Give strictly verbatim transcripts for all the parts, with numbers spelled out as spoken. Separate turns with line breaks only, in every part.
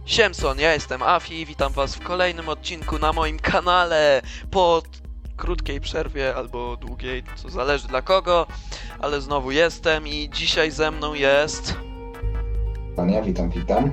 Siemson, ja jestem Afi, witam was w kolejnym odcinku na moim kanale po krótkiej przerwie albo długiej, co zależy dla kogo, ale znowu jestem i dzisiaj ze mną jest...
Panie, witam, witam.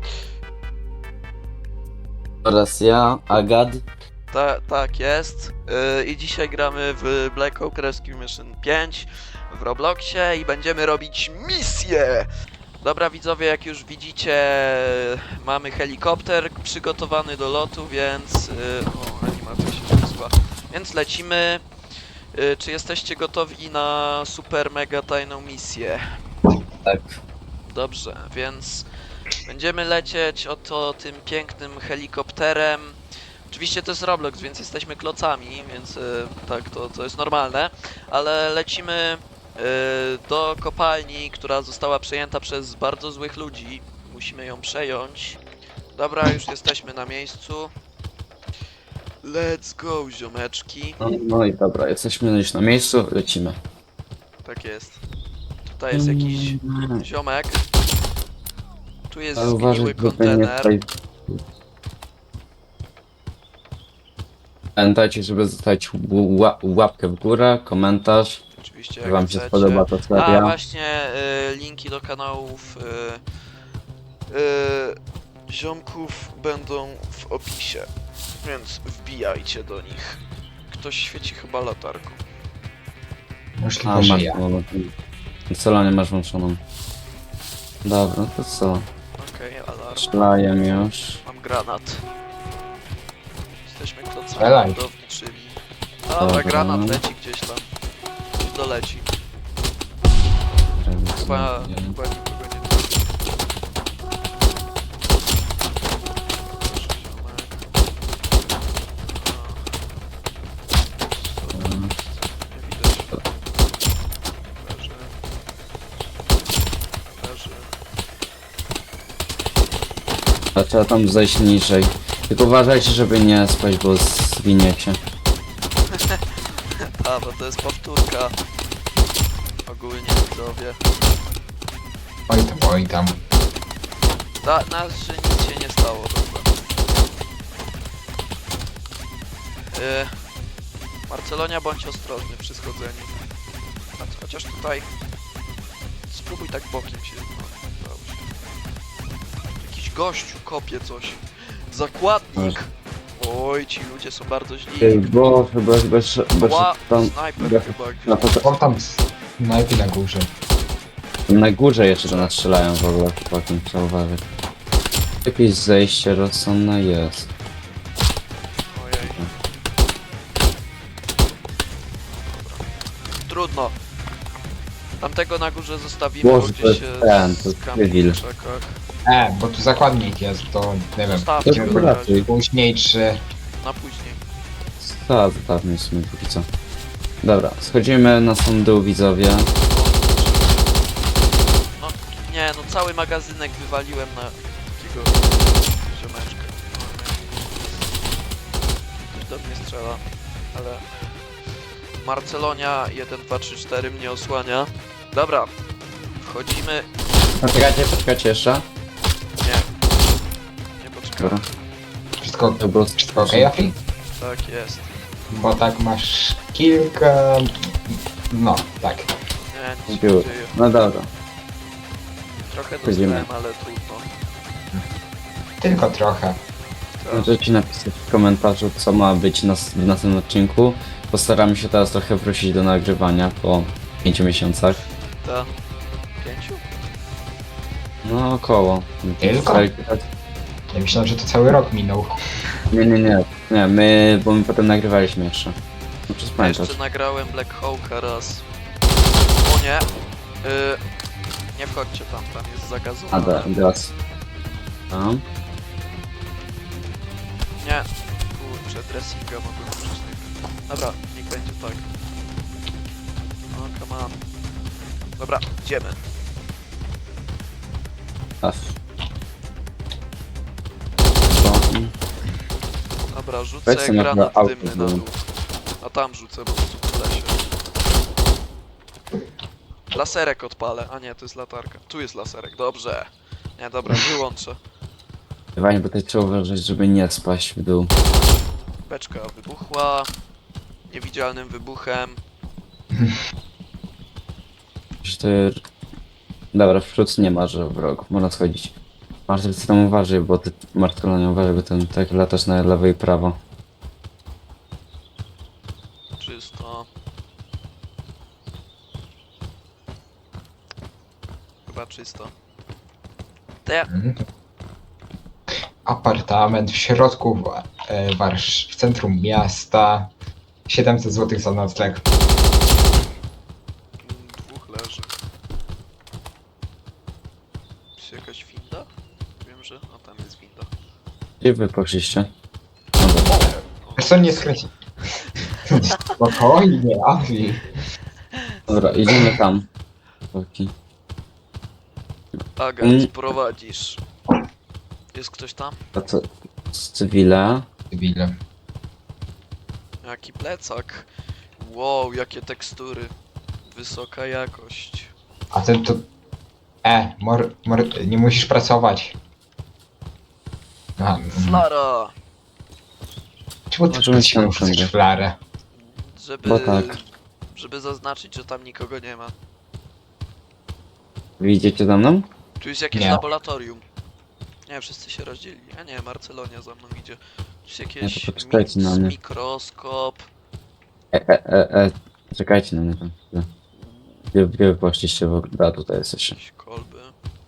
Oraz ja, Agad.
Ta, tak jest. Yy, I dzisiaj gramy w Black Oak Rescue Mission pięć w Robloxie i będziemy robić misję! Dobra widzowie, jak już widzicie, mamy helikopter przygotowany do lotu, więc... Yy, o, animacja się zepsuła. Więc lecimy. Yy, czy jesteście gotowi na super mega tajną misję?
Tak.
Dobrze, więc będziemy lecieć oto tym pięknym helikopterem. Oczywiście to jest Roblox, więc jesteśmy klocami, więc y, tak, to, to jest normalne, ale lecimy y, do kopalni, która została przejęta przez bardzo złych ludzi. Musimy ją przejąć. Dobra, już jesteśmy na miejscu. Let's go, ziomeczki.
No, no i dobra, jesteśmy już na miejscu, lecimy.
Tak jest. Tutaj jest jakiś ziomek. Tu jest
Ale uważaj,
zgniły
żeby nie
kontener.
tutaj... Pamiętajcie, żeby zostawić ła łapkę w górę, komentarz,
Oczywiście,
jak
jak
wam się
chcecie.
spodoba ta
A
seria.
właśnie y, linki do kanałów y, y, ziomków będą w opisie, więc wbijajcie do nich. Ktoś świeci chyba latarką.
A,
Możliwe, że
masz
ja.
Celanie masz włączoną. Dobra, no to co?
Okej, okay, alarm.
Strzelaję już.
Mam granat. Jesteśmy klocami
Strzelaj.
budowniczymi. Dobra,
Dobra.
granat leci gdzieś tam. Doleci. Chyba, chyba nikogo nie trafi. Nie widać. Leży. Leży.
A trzeba tam zejść niżej. Tylko uważajcie, żeby nie spać, bo zwiniecie.
A, bo to jest powtórka. Ogólnie widzowie.
Oj tam, oj tam.
Da, nas, że nic się nie stało, dobra. Yy, Marcelonia, bądź ostrożny przy schodzeniu. Cho- Chociaż tutaj... Spróbuj tak bokiem się... No, dobrze. Jakiś gościu kopie coś. Zakładnik! Oj, ci ludzie są bardzo źli.
Ej, bo chyba, chyba, chyba
Ła,
tam...
snajper chyba
Na,
gdzieś.
to,
O tam, snajpi na górze.
na górze jeszcze do nas strzelają w ogóle, chłopakiem, trzeba uważać. Jakieś zejście rozsądne jest.
Ojej. Dobra. Trudno. Tamtego na górze zostawimy,
Boże,
bo
to
gdzieś
jest
się
ten, to jest
skampi
cywil.
w krzakach.
E, bo tu zakładnik jest, to nie wiem.
Zostawcie
To
go na razie.
raczej.
Później czy...
Na później.
Tak, zostawmy w sumie póki co. Dobra, schodzimy na sam dół, widzowie.
No nie, no cały magazynek wywaliłem na takiego ziomeczka. Ktoś do mnie strzela, ale Marcelonia jeden, dwa, trzy, cztery mnie osłania. Dobra, wchodzimy.
Poczekajcie, poczekajcie jeszcze.
Nie, nie poczekam.
Dobra.
Wszystko,
To było
wszystko okej, Afi?
Tak jest.
Bo tak masz kilka... No, tak.
Nie, nic się
Było.
nie dzieje.
No dobra.
Trochę
Wchodzimy.
dostałem, ale trudno.
Tylko trochę.
Tak.
Możecie napisać w komentarzu, co ma być na, w następnym odcinku. Postaramy się teraz trochę wrócić do nagrywania po pięciu miesiącach.
Ta. Pięciu?
No około.
Tylko? Ja myślałem, że to cały rok minął.
Nie, nie, nie. Nie, my, bo my potem nagrywaliśmy jeszcze. No przez
Ja
pamiętasz.
jeszcze nagrałem Black Hawka raz. O nie! Y, nie wchodźcie tam, tam jest
A
zagazowane.
da, teraz. Tam.
Nie, kurczę, dressinga mogłem użyć najpierw. Dobra, niech będzie tak. No, come on. Dobra, idziemy.
Ach.
Dobra, rzucę
Weź sobie na
granat
auto
dymny na
znowu.
dół. A tam rzucę, bo tu w lesie. Laserek odpalę. A nie, to jest latarka. Tu jest laserek, dobrze. Nie, dobra, wyłączę.
Fajnie, bo tutaj trzeba uważać, żeby nie spaść w dół.
Beczka wybuchła. Niewidzialnym wybuchem.
Że to... Dobra, w przód nie ma, że wrogów, można schodzić. Marcel, ty tam uważaj, bo ty, Marcelo, nie uważaj, bo ten tak latasz na lewo i prawo.
Czysto. Chyba czysto. Te...
Mhm. Apartament w środku w, e, Warsz- w centrum miasta. siedemset złotych za nocleg.
Dwóch leży. Jest jakaś winda? Wiem, że... A tam jest winda.
Gdzie wy poszliście? No dobra.
Wiesz co, nie skręci. Spokojnie, Avi.
Dobra, idziemy tam. Chłopaki.
Agent,
Mm.
prowadzisz. Jest ktoś tam?
A co? Z cywila?
Debile.
Jaki plecak. Wow, jakie tekstury. Wysoka jakość.
A ten to... E, mor, mor, nie musisz pracować. A, mm.
Flara!
Czemu ty
Możemy się
chcesz
nauczyć.
flarę?
Żeby...
Bo tak.
Żeby zaznaczyć, że tam nikogo nie ma.
Widzicie za mną?
Tu jest jakieś
Nie.
laboratorium. Nie, wszyscy się rozdzielili. A nie, Marcelonia za mną idzie. Tu jest jakieś
Nie, to poczekajcie na
mi-
mnie.
mikroskop.
E, e, e, e. Czekajcie na mnie tam chwilę. Gdzie, gdzie wy poszliście w ogóle? A, tutaj jesteście.
Jakieś kolby.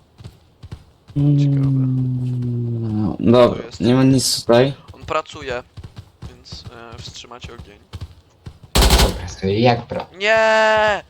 Mm, Dobra,
To jest.
nie ma nic tutaj.
On pracuje, więc e, wstrzymać ogień.
Dobra, sobie jak bro?
Nie!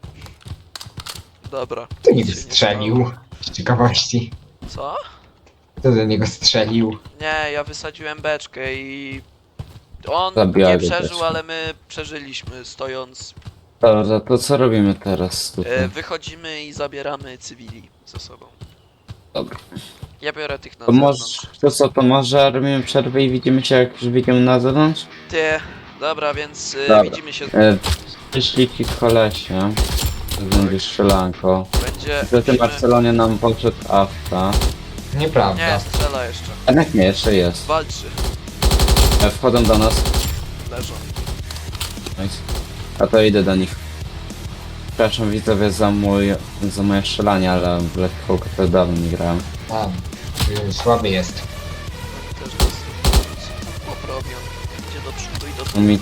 Dobra.
Kto
nic
niby
się nie
strzelił? Z ciekawości.
stało. Co?
Kto do niego strzelił?
Nie, ja wysadziłem beczkę i... On
Zabijali
nie przeżył,
beczkę.
ale my przeżyliśmy stojąc.
Dobra, to co robimy teraz
E,
tutaj?
wychodzimy i zabieramy cywili ze sobą.
Dobra.
Ja biorę tych na
To może,
zewnątrz.
to co, to może robimy przerwę i widzimy się jak już wyjdziemy na zewnątrz?
Ty, dobra, więc e,
Dobra.
widzimy się.
E, Przyszli ci kolesie. To będzie strzelanko.
Będzie...
Że ty
musimy-
Marcelonie nam poszedł afta.
Nieprawda.
Nie, strzela jeszcze.
Jednak nie, jeszcze jest.
Walczy.
E, Wchodzą do nas.
Leżą.
Nice. A to idę do nich. Przepraszam widzowie za mój, za moje strzelanie, ale w Black Hawk to dawno nie grałem.
A, y, słaby jest.
Oni też nas poprawią. Idzie do przodu i do tyłu.
Mi
E,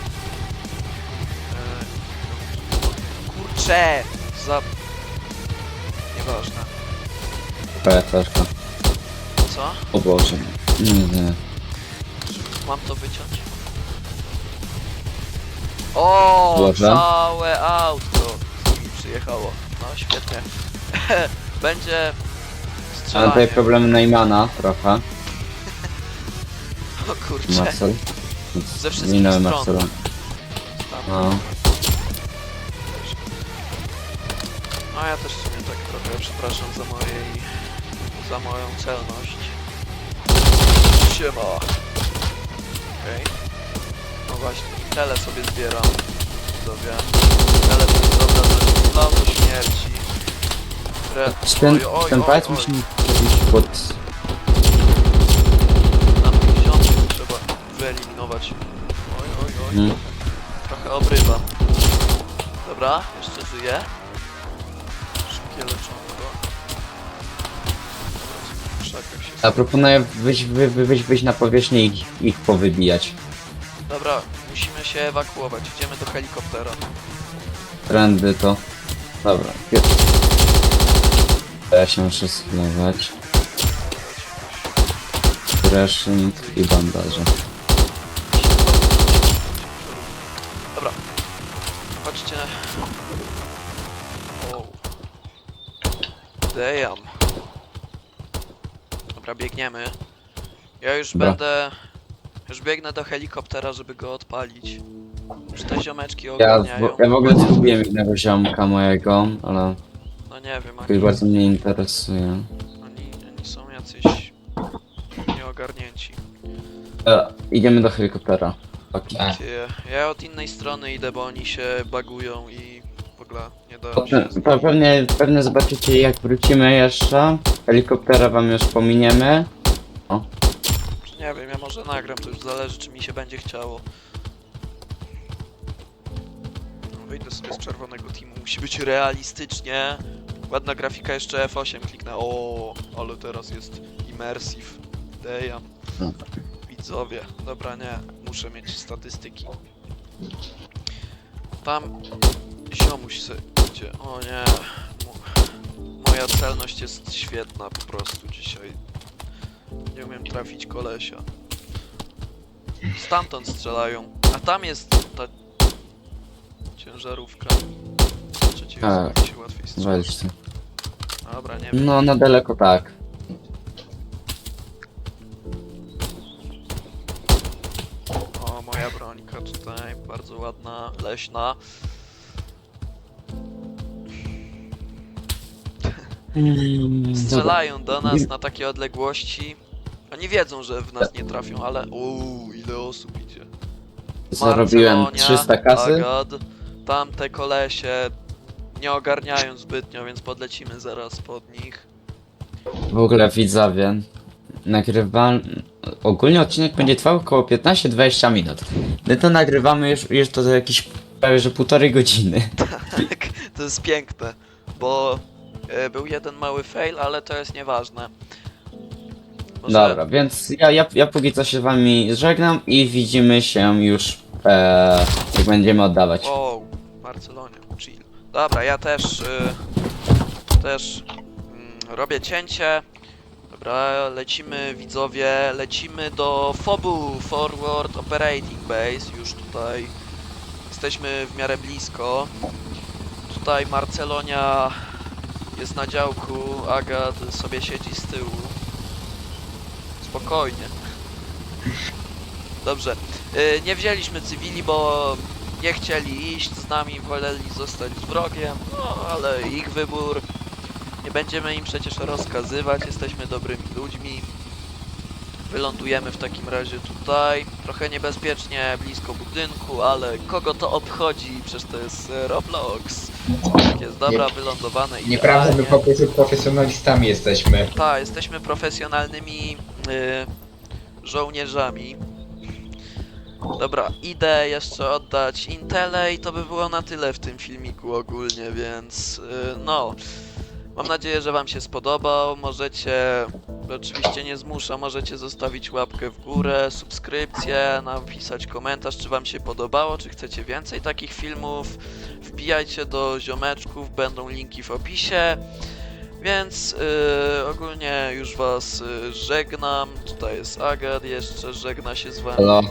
Kurcze! Za... Nieważne.
PFR-ka.
Co?
O Boże. Nie, nie.
Mam to wyciąć? O,
Dobrze.
całe auto mi przyjechało. No świetnie. Będzie
Mam
strzelanie.
tutaj problemy Neymana trochę.
O kurcze.
Marcel.
Ze wszystkich
Minąłem
stron.
Marcela.
Tam.
No.
No ja też w sumie tak trochę przepraszam za mojej... za moją celność. Siema. Okej. No właśnie, i tele sobie zbieram. Widzowie. Tele to jest dobra rzecz. No do śmierci. Re...
Ten,
Oj, oj,
ten
oj,
palec
oj.
musi być pod...
Na tych ziomków trzeba wyeliminować. Oj, oj, oj.
Hmm.
Trochę obrywa. Dobra, jeszcze żyje. Szybkie leczonko. W krzakach się...
A proponuję wyjść, wy, wy, wyjść, wyjść na powierzchnię i ich, ich powybijać.
Dobra, musimy się ewakuować. Idziemy do helikoptera.
Trendy to... Dobra. Ja się muszę sklewać. Dressing i bandaże.
Dobra. Chodźcie. O. Damn. Dobra, biegniemy. Ja już
Dobra.
będę... Już biegnę do helikoptera, żeby go odpalić. Już te ziomeczki
Ja,
ogarniają.
w- ja w ogóle zgubiłem jednego ziomka mojego, ale
No nie wiem,
jakoś
oni,
bardzo mnie interesuje.
oni, oni są jacyś... nieogarnięci.
E, idziemy do helikoptera. Okay.
A,
Ty, ja od innej strony idę, bo oni się bagują i w ogóle nie dają
Potem,
się...
pe- pewnie, pewnie zobaczycie jak wrócimy jeszcze. Helikoptera wam już pominiemy. O.
Nie wiem, ja może nagram, to już zależy, czy mi się będzie chciało. No, wyjdę sobie z czerwonego teamu, musi być realistycznie. Ładna grafika, jeszcze F osiem kliknę. O, ale teraz jest immersive. Damn.
No.
Widzowie. Dobra, nie, muszę mieć statystyki. Tam ziomuś se idzie. O nie. Mo- Moja celność jest świetna po prostu dzisiaj. Nie umiem trafić kolesia. Stamtąd strzelają. A tam jest ta ciężarówka. Trzeci
Tak.
jest się łatwiej strzela.
Weź ty.
Dobra, nie wiem.
No, na daleko tak.
O, moja brońka tutaj, bardzo ładna, leśna. Strzelają do nas na takie odległości. Oni wiedzą, że w nas nie trafią, ale... Uuu, ile osób idzie.
Zarobiłem
Marcelonia,
trzysta kasy.
Agad, tamte kolesie nie ogarniają zbytnio, więc podlecimy zaraz pod nich.
W ogóle widzowie, nagrywam... Ogólnie odcinek będzie trwał około piętnaście do dwudziestu minut. My to nagrywamy już, już to za jakieś prawie że półtorej godziny.
Tak, to jest piękne, bo e, był jeden mały fail, ale to jest nieważne. Może...
Dobra, więc ja, ja, ja póki co się z wami żegnam i widzimy się już e, jak będziemy oddawać.
Wow, Barcelonia, chill. Dobra, ja też y, też mm, robię cięcie. Dobra, lecimy widzowie, lecimy do FOBU, Forward Operating Base, już tutaj jesteśmy w miarę blisko. Tutaj Marcelonia jest na działku, Agat sobie siedzi z tyłu. Spokojnie. Dobrze, y, nie wzięliśmy cywili, bo nie chcieli iść z nami, woleli zostać z wrogiem, no ale ich wybór. Nie będziemy im przecież rozkazywać, jesteśmy dobrymi ludźmi. Wylądujemy w takim razie tutaj, trochę niebezpiecznie, blisko budynku, ale kogo to obchodzi, przecież to jest e, Roblox. Tak jest, dobra, wylądowane idealnie.
Nieprawda, my po prostu profesjonalistami jesteśmy.
Tak, jesteśmy profesjonalnymi y, żołnierzami. Dobra, idę jeszcze oddać Intele i to by było na tyle w tym filmiku ogólnie, więc y, no. Mam nadzieję, że wam się spodobał. Możecie, oczywiście nie zmuszam, możecie zostawić łapkę w górę, subskrypcję, napisać komentarz, czy wam się podobało, czy chcecie więcej takich filmów. Wbijajcie do ziomeczków, będą linki w opisie. Więc yy, ogólnie już was yy, żegnam. Tutaj jest Agat, jeszcze żegna się z wami.
Halo.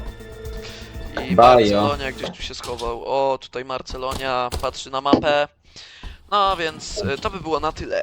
I
Bajo.
Marcelonia gdzieś tu się schował. O, tutaj Marcelonia patrzy na mapę. No więc yy, to by było na tyle.